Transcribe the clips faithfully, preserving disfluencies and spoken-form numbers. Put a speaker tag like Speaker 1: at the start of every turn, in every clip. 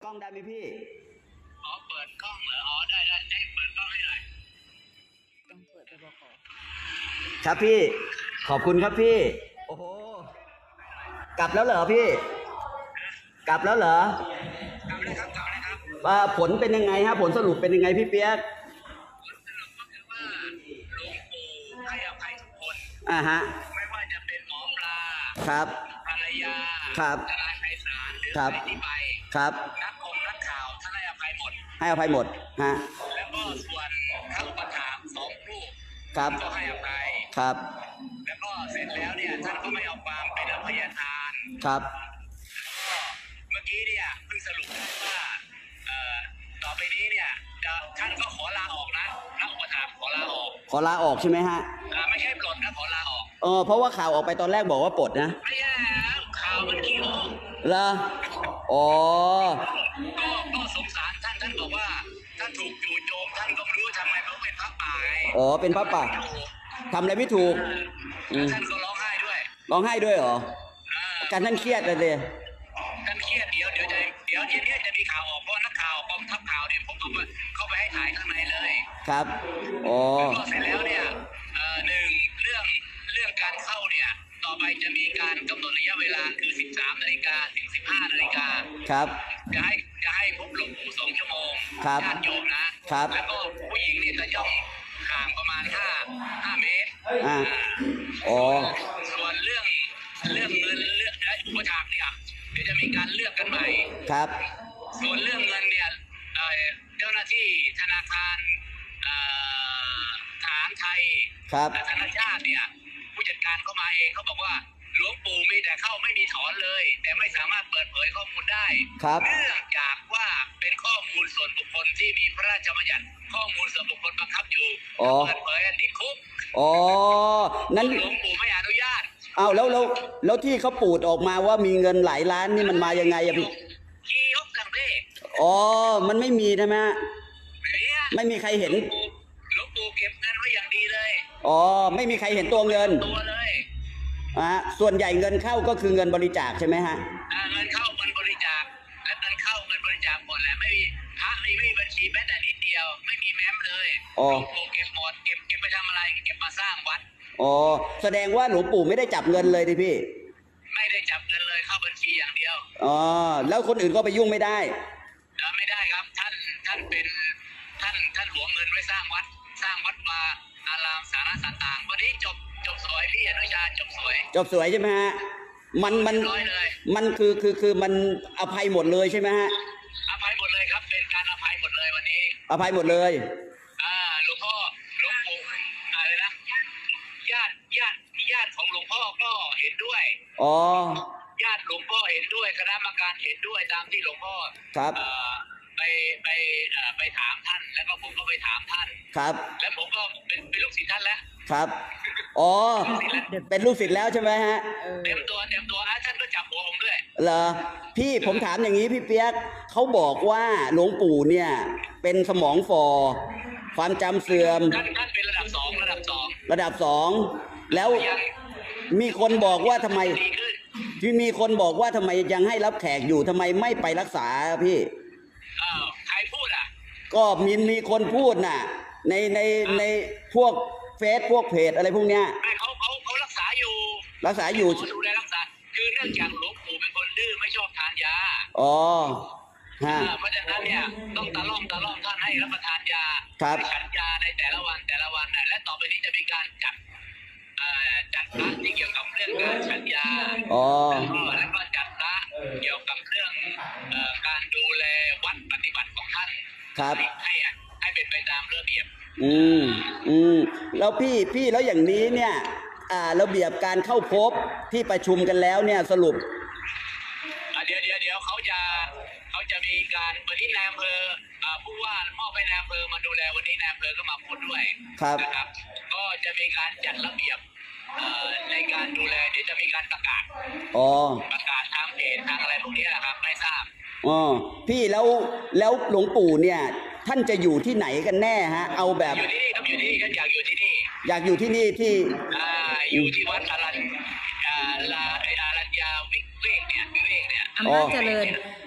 Speaker 1: ล้องได้ไหมพี่
Speaker 2: อ๋อเปิดกล้องเหรออ๋อได้ได้ได้เปิดกล้องให้หน่อย
Speaker 3: ต้องเปิดไปบอกก่อน
Speaker 1: ครับพี่ขอบคุณครับพี่โอ้โหกลับแล้วเหรอพี่กลับแล้วเหรอก
Speaker 2: ลับเลยครับกลับเลยครับ
Speaker 1: ว่าผลเป็นยังไงฮะผลสรุปเป็นยังไงพี่เปียก
Speaker 2: ผลสรุปก็คือว่าหลวงปู่ให้อภัยทุกคน
Speaker 1: อ่าฮะ
Speaker 2: ไม่ว่าจะเป็นหมอปลา
Speaker 1: ครับ
Speaker 2: ภรรยา
Speaker 1: ครับ
Speaker 2: ทนายไพศาลหรือใครที่ไป
Speaker 1: ครับ
Speaker 2: นักคงนักข่าวท่านให้อภัยหมด
Speaker 1: ให้อภัยหมดฮะ
Speaker 2: แล้วก็ส่วนพระอุปถากสองรูป
Speaker 1: ครับ
Speaker 2: ก็ให้อภัย
Speaker 1: ครับ
Speaker 2: แล้วก็เสร็จแล้วเนี่ยท่านก็ไม่เอาความเป็นอภัยทาน
Speaker 1: ครับ
Speaker 2: ก็เมื่อกี้เนี่ยเพิ่งสรุปได้ว่าเอ่อต่อไปนี้เนี่ยจะท่านก็ขอลาออกนะพระอุปถากขอลาออก
Speaker 1: ขอลาออกใช่ไหมฮะ
Speaker 2: ไม่ใช่ปลดนะขอลาออก
Speaker 1: เออเพราะว่าข่าวออกไปตอนแรกบอกว่าปลดนะ
Speaker 2: ไม่ใช่ข่าวมันขี้โม้
Speaker 1: เหรออ๋อ
Speaker 2: ก็ก็สงสารท่านท่านบอกว่าท่านถูกจู่โจมท่านก็ไม่รู้ทำไมเพราะเป็นพระป่า
Speaker 1: อ๋อเป็นพระป่าทำอะไรไม่ถูก
Speaker 2: ท่านก็ร้องไห้ด้วย
Speaker 1: ร้องไห้ด้วยเหรอการท่านเครียดเลยเลย
Speaker 2: ท่านเครียดเดี๋ยวเดี๋ยวจะเดี๋ยวเย็นนี้จะมีข่าวออกเพราะนักข่าวกองทัพข่าวเนี่ยผมต้องเข้าไปให้ถ่ายข้างในเลย
Speaker 1: ครับอ๋อ
Speaker 2: ก็เสร็จแล้วเนี่ยหนึ่งเรื่องเรื่องการเข้าเนี่ยต่อไปจะมีการกำหนดระยะเวลาคือสิบสามนาฬิกาถึงสิบห้านาฬิกา
Speaker 1: ครับ
Speaker 2: จะให้จะให้พบหลวงปู่สองชั่วโมง
Speaker 1: ครับ
Speaker 2: ญาติโยมนะครับแล้วก็ผู้หญิงนี่จะย่องห่างประมาณห้าห้าเมตร
Speaker 1: อ่าอ๋อ
Speaker 2: ส่วนเรื่องเรื่องเงินเรื่องและอุปถากเนี่ยเดี๋ยวจะมีการเลือกกันใหม่
Speaker 1: ครับ
Speaker 2: ส่วนเรื่องเงินเนี่ยเจ้าหน้าที่ธนาคารทหารไทยและธนาชาติเนี่ยผู้จัดการเข้ามาเองเขาบอกว่าหลวงปู่มีแต่เข้าไม่มีถอนเลยแต่ไม่สามารถเปิดเผยข้อมูลได้เนื่องจากว่าเป็นข้อมูลส่วนบุคคลที่มีพระราชบัญญัติข้อมูลส่วนบุคคลบังคับอยู่เปิดเผยติดคุก
Speaker 1: อ๋อนั้น
Speaker 2: หลวงปู่ไม่อนุญาต
Speaker 1: อ้าวแล้วแล้วแล้วที่เขาปูดออกมาว่ามีเงินหลายล้านนี่มันมายังไงอะพี่
Speaker 2: ขี้ยกกังเบ้
Speaker 1: อ๋อมันไม่มีใช่ไหมไม่มีใครเห็น
Speaker 2: หลวงปู่เก็บเงินไว้อย่างดีเลย
Speaker 1: อ๋อไม่มีใครเห็นตัวเงิน
Speaker 2: ตัวเลย
Speaker 1: อ่าส่วนใหญ่เงินเข้าก็คือเงินบริจาคใช่ไหมฮะ
Speaker 2: เงินเข้าเงินบริจาคและเงินเข้าเงินบริจาคหมดแหละไม่มีพระไม่มีบัญชีแม้แต่นิดเดียวไม่มีแม้มเลยหลวงปู่เก็บหมดเก็บเก็บไปทำอะไรเก็บมาสร้างวัด
Speaker 1: อ๋อแสดงว่าหลวงปู่ไม่ได้จับเงินเลยดิพี่
Speaker 2: ไม่ได้จับเงินเลยเข้าบัญชีอย่างเดียว
Speaker 1: อ๋อแล้วคนอื่นก็ไปยุ่งไม่ได้
Speaker 2: ไม่ได้ครับท่านท่านเป็นท่านท่านหวงเงินไว้สร้างวัดสร้างวัดวาอารามสาระต่างๆวันนี้จบจบสวยพี่อนุชาจบสวย
Speaker 1: จบสวยใช่ไหมฮะมันมันมันคือคือคือมันอภัยหมดเลยใช่ไหมฮะ
Speaker 2: อภัยหมดเลยครับเป็นการอภัยหมดเลยวันนี้
Speaker 1: อภัยหมดเลย
Speaker 2: อ่าหลวงพ่อหลวงปู่อะไรนะญาติญาติญาติของหลวงพ่อก็เห็นด้วย
Speaker 1: อ๋อ
Speaker 2: ญาติหลวงพ่อเห็นด้วยคณะกรรมการเห็นด้วยตามที่หลวงพ่อ
Speaker 1: ครับ
Speaker 2: ไปไปไปถามท่านแล้วก็ผมก็ไปถามท่าน
Speaker 1: ครับ
Speaker 2: แล้วผมก็เป็นเป็นลูกศิษย์ท่านแล้ว
Speaker 1: ครับอ๋อเป็นลูกศิษย์แล้วใช่ไหมฮะ
Speaker 2: เต็มตัวเต็มตัวท่านก็จับหัวผมด้วย
Speaker 1: เหรอพี่ผมถามอย่างนี้พี่เปียกเขาบอกว่าหลวงปู่เนี่ยเป็นสมองฝ่อความจำเสื่อม
Speaker 2: ท่านท่านเป็นระดับสองระดับสอง
Speaker 1: ระดับสองแล้วมีคนบอกว่าทำไมที่มีคนบอกว่าทำไมยังให้รับแขกอยู่ทำไมไม่ไปรักษาพี่
Speaker 2: อ้าวใครพูดอ่ะ
Speaker 1: ก็มีมีคนพูดน่ะในในในพวกเฟซพวกเพจอะไรพวกเนี้ย
Speaker 2: ไม่เขาเขาเขารักษาอยู่
Speaker 1: รักษาอยู่
Speaker 2: ดูแลรักษาคือเนื่องจากหลวงปู่เป็นคนดื้อไม่ชอบทานยา
Speaker 1: อ๋อฮะ
Speaker 2: เพราะฉะนั้นเนี่ยต้องตะล่อมตะล่อมท่านให้รับประทานยาให้ฉันยาในแต่ละวันแต่ละวันและต่อไปนี้จะมีการจัดจัดพระที่เกี่ยวกับเรื่องการฉันยาแล้วก็จัดพระเกี่ยวกับเรื่องการดูแลวัดปฏิบัติของท่าน
Speaker 1: ครับ
Speaker 2: ให้ให้เป็นไปตามระเบียบ
Speaker 1: อืมอืมแล้วพี่พี่แล้วอย่างนี้เนี่ยอ่าระเบียบการเข้าพบที่ประชุมกันแล้วเนี่ยสรุป
Speaker 2: เดี๋ยวเดี๋ยวเดี๋ยวเขาจะเขาจะมีการวันนี้นายอำเภอผู้ว่ามอบให้นายอำเภอมาดูแลวันนี้นายอำเภอก็มาพูดด้วยนะครับก็จะมีการจัดระเบียบในการดูแลเดี๋ยวจะมีการประกาศ
Speaker 1: อ๋อ
Speaker 2: ประกาศทางเพจทางอะไรพวกนี้นะครับไม่ทราบ
Speaker 1: อ๋อพี่แล้วแล้วหลวงปู่เนี่ยท่านจะอยู่ที่ไหนกันแน่ฮะเอาแบบ
Speaker 2: อยู่ที่นี่ครับอยู่ที่นี่ก็อยากอยู่ที่นี่
Speaker 1: อยากอยู่ที่นี่ที่
Speaker 2: อ่าอยู่ที่วัดอารัญอ่าลาไออารัญญาวิเวกเนี่ยวิเวกเนี่ย
Speaker 3: อำนาจเจริญ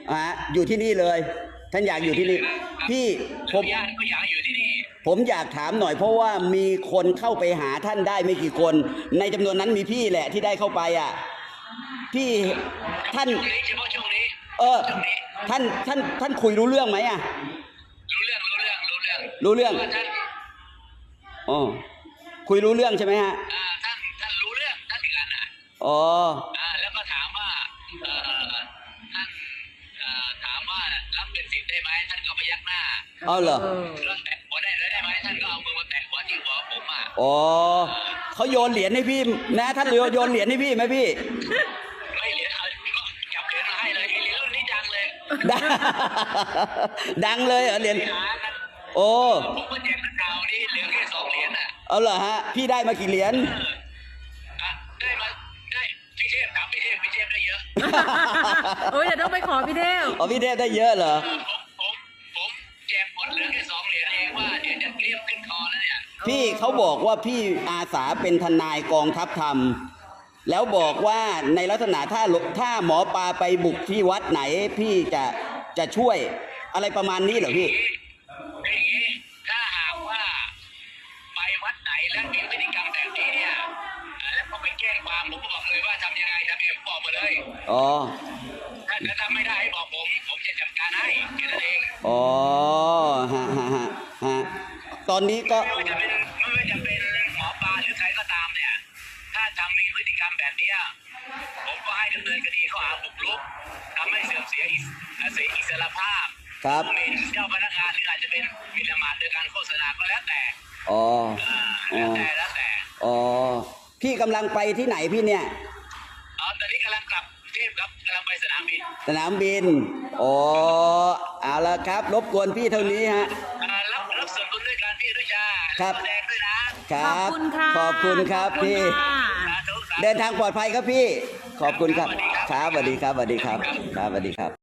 Speaker 1: อ่ะอยู่ที่นี่เลย ท่านอยากอยู่ที่นี่ พี่ผ
Speaker 2: ผม
Speaker 1: ม
Speaker 2: ญาติก็อยากอยู่ที่นี่
Speaker 1: ผมอยากถามหน่อยเพราะว่ามีคนเข้าไปหาท่านได้ไม่กี่คน ในจำนวนนั้นมีพี่แหละที่ได้เข้าไปอ่ะ พี่ท่าน
Speaker 2: ช่วงนี้เฉพาะช่วงนี้
Speaker 1: เออ
Speaker 2: ช่วงนี้
Speaker 1: ท่านท่านท่านคุยรู้เรื่องไหมอ่ะ
Speaker 2: รู้เรื่องรู้เรื่องรู้เรื่อง
Speaker 1: รู้เรื่อง
Speaker 2: ว่าท่าน
Speaker 1: อ๋อคุยรู้เรื่องใช่ไหมฮะ
Speaker 2: อ่าท่านท่านรู้เรื่องท่านถึงกันอ่ะ
Speaker 1: อ๋อ
Speaker 2: อ่าแล้วก็ถามว่าเอ่อท่านเอ่อถามว่ารับเป็นสิทธิ์ได้ไหมท่านก็พยักหน้า
Speaker 1: เอาเหรอ
Speaker 3: เออ
Speaker 2: แล้วแตะหัวได้ได้ไหมท่านก็เอามือมาแตะหัวที่หัวผมอ่ะ
Speaker 1: อ๋อเขาโยนเหรียญให้พี่นะท่านโยนโยนเหรียญให้พี่ไหมพี่
Speaker 2: ไม่เหรียญเอาก็จับเหรียญมาให้เลยไอ้เหรียญรุ่นนี้ดังเลย
Speaker 1: ดังดังเลยเหรอเหรียญ
Speaker 2: ไปหากัน
Speaker 1: โอ้
Speaker 2: ผมก็แจกนักข่าวนี่เหลือแค่สองเหรียญอ่ะ
Speaker 1: เอาเหรอฮะ พี่ได้มากี่เหรียญ
Speaker 2: เอออ่ะได้มาได้พี่เทพถามพี่เทพพี่เทพได้เยอะ
Speaker 3: โอ้ยเดี๋ยวต้องไปขอพี่เทพ
Speaker 1: อ๋อพี่เทพได้เยอะเหรอ
Speaker 2: ผมผมผมแจกหมดเหลือแค่สองเหรียญเองว่าเดี๋ยวจะเกลี้ยงขึ้นคอแล้วเนี่ย
Speaker 1: พี่เขาบอกว่าพี่อาสาเป็นทนายกองทัพธรรม แล้วบอกว่าในลักษณะถ้าถ้าหมอปลาไปบุกที่วัดไหน พี่จะจะช่วยอะไรประมาณนี้เหรอพี่
Speaker 2: คืออย่างนี้ถ้าหากว่าไปวัดไหนแล้วมีพฤติกรรมแบบนี้เนี่ยแล้วก็ไปแจ้งความผมก็บอกเลยว่าทำยังไงทำยังไงผมบอกมาเลย
Speaker 1: อ๋อ
Speaker 2: ถ้าถ้าทำไม่ได้ให้บอกผม ผมจะจัดการให้แค่นั้นเอง
Speaker 1: อ๋อฮะฮะฮะฮะตอนนี้ก็
Speaker 2: ไม่ว่าจะเป็นไม่ว่าจะเป็นหมอปลาหรือใครก็ตามเนี่ย ถ้าทำมีพฤติกรรมแบบเนี้ยผมก็ให้ดำเนินคดีข้อหาบุกรุกทำให้เสื่อมเสียอิสเสียอิสรภาพ
Speaker 1: ครับ
Speaker 2: หมิ่นเจ้าพนักงานหรืออาจจะเป็นหมิ่นประมาทโดยการโฆษณาก็แล้วแต่
Speaker 1: อ๋อ
Speaker 2: อ่า
Speaker 1: อ๋
Speaker 2: แล้ว
Speaker 1: อ
Speaker 2: แต่แล้วแต่
Speaker 1: อ๋อ พี่กำลังไปที่ไหนพี่เนี่ย
Speaker 2: อ๋อตอนนี้กำลังกลับกรุงเทพครับกำลังไปสนามบิน
Speaker 1: สนามบิน อ๋อ เอาละครับ รบกวนพี่เท่านี้ฮะ
Speaker 2: อ่ารับรับส่วนบุญด้วยการพี่ด้วยจ้า
Speaker 1: ครับ
Speaker 2: แสดงด้วยนะ
Speaker 1: ค
Speaker 3: ข
Speaker 1: รั
Speaker 3: อบบ คุณค่ะ
Speaker 1: ขอบคุณครับ
Speaker 3: ขอ
Speaker 1: พี่
Speaker 3: ค่ะ
Speaker 2: สาธุสาธุ
Speaker 1: เดินทางปลอดภัยครับพี่ ขอบคุณครับ ครับสวัสดีครับสวัสดีครับ ครับสวัสดีครับ